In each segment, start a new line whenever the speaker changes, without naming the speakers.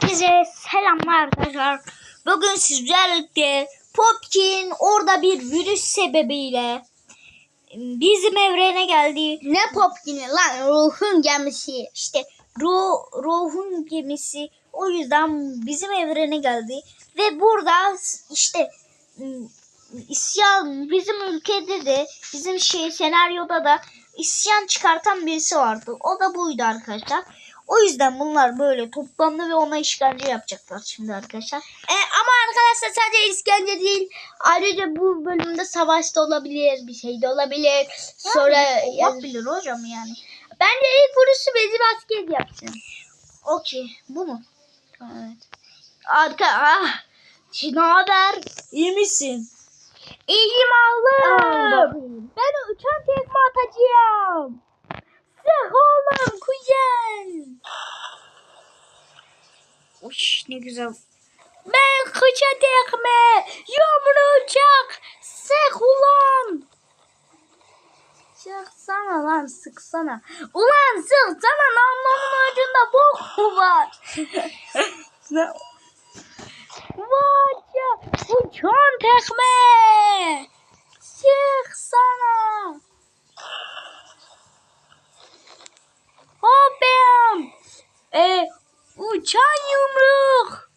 Herkese selamlar arkadaşlar. Bugün sizlerle Popkin orada bir virüs sebebiyle bizim evrene geldi.
Ne Popkin'i lan? Ruhun gemisi.
İşte ruhun gemisi. O yüzden bizim evrene geldi. Ve burada işte isyan, bizim ülkede de bizim senaryoda da isyan çıkartan birisi vardı. O da buydu arkadaşlar. O yüzden bunlar böyle toplandı ve ona işkence yapacaklar şimdi arkadaşlar.
Ama arkadaşlar sadece işkence değil. Ayrıca bu bölümde savaş da olabilir. Bir şey de olabilir. Sonra
olabilir hocam yani.
bence ilk vuruşu Vezir Asker yapsın.
Okey. Bu mu? Evet. Ne haber? İyi misin?
İyiyim oğlum. Ben uçan tekme atacağım. Sık oğlum kuzen.
Uş ne güzel.
Ben kıça tekme. Yumrucak. Sık ulan. Sıksana lan sıksana. Ulan sıksana namlunun ucunda bok mu var? Var ya uçan tekme. Sıksana. Hopam. Uçan yumruk.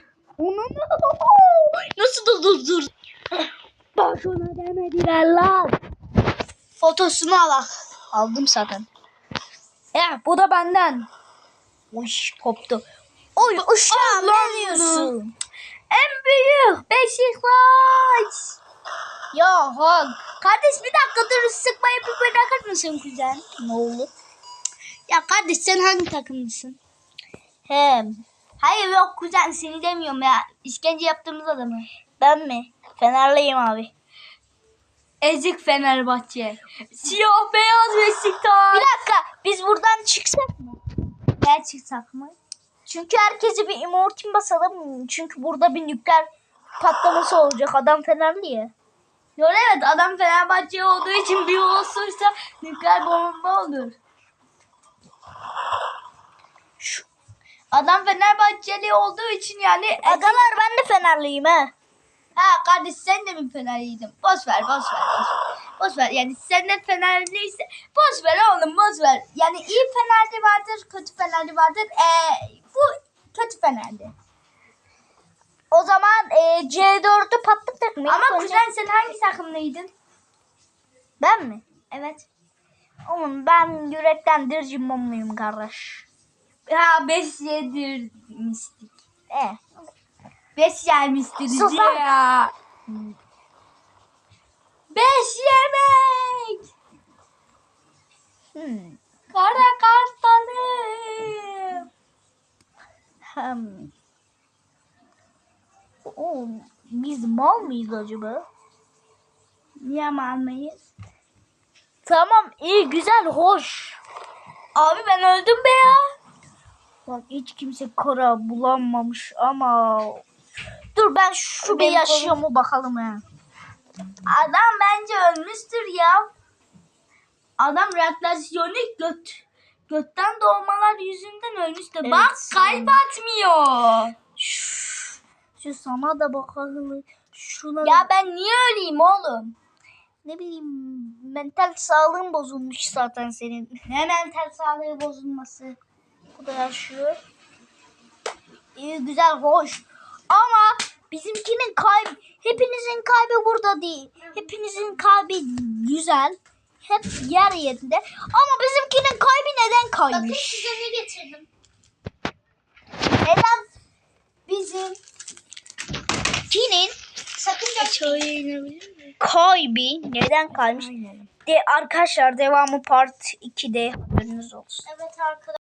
Nasıl dur.
Boşuna demediler lan.
Fotosunu al. Aldım zaten.
Bu da benden.
Uş koptu. Oy uşağım ne diyorsun?
En büyük Beşiktaş.
Ya hak.
Kardeş bir dakika dur sıkmayı bir bırakır mısın kuzen?
Ne oldu?
Ya kardeş sen hangi takımlısın?
Hem.
Hayır yok kuzen seni demiyorum ya. İşkence yaptığımız adamı.
Ben mi? Fenerliyim abi.
Ezik Fenerbahçe. Siyah beyaz Beşiktaş.
Bir dakika biz buradan çıksak mı?
Ne çıksak mı?
Çünkü herkese bir immortin basalım. Çünkü burada bir nükleer patlaması olacak. Adam Fenerli ya.
Yok evet adam Fenerbahçe olduğu için bir olursa nükleer bomba olur. Adam Fenerbahçeli olduğu için yani...
Agalar ben de Fenerliyim ha.
Ha kardeş sen de mi Fenerliydin? Boş ver. Boş ver yani sen de Fenerliyse boş ver oğlum boş ver. Yani iyi Fenerli vardır, kötü Fenerli vardır. Bu kötü Fenerli.
O zaman C4'ü patlattık mı?
Ama kuzen sen hangi takımlıydın?
Ben mi?
Evet.
Oğlum ben yürekten Dircimomluyum kardeş.
Ha 5-7 mistik. 5 yermiştir
Sus
diye
lan.
ya. 5 yemek. Kara kartalım.
Oğlum biz mal mıyız acaba?
Niye almayız?
Tamam iyi güzel hoş.
Abi ben öldüm be ya.
Bak hiç kimse kara bulanmamış ama dur ben şu bir yaşıyor mu bakalım ya.
Adam bence ölmüştür ya. Adam radyasyonist götten doğmalar yüzünden ölmüştür.
Evet,
Bak kalp atmıyor.
Şu sana da bakalım. Şuna
Ya ben niye öleyim oğlum?
ne bileyim mental sağlığın bozulmuş zaten senin.
Ne mental sağlığı bozulması.
Bu da yaşıyor. İyi güzel hoş. Ama bizimkinin hepinizin kalbi burada değil. Hepinizin kalbi güzel. Hep yer yerinde. Ama bizimkinin kalbi neden
Bakın
kaymış?
size ne getirdim.
Neden bizimkinin
Sakın
aşağıya inebilir mi? Kalbi neden kaymış? Arkadaşlar devamı part 2'de haberiniz olsun.
Evet arkadaşlar.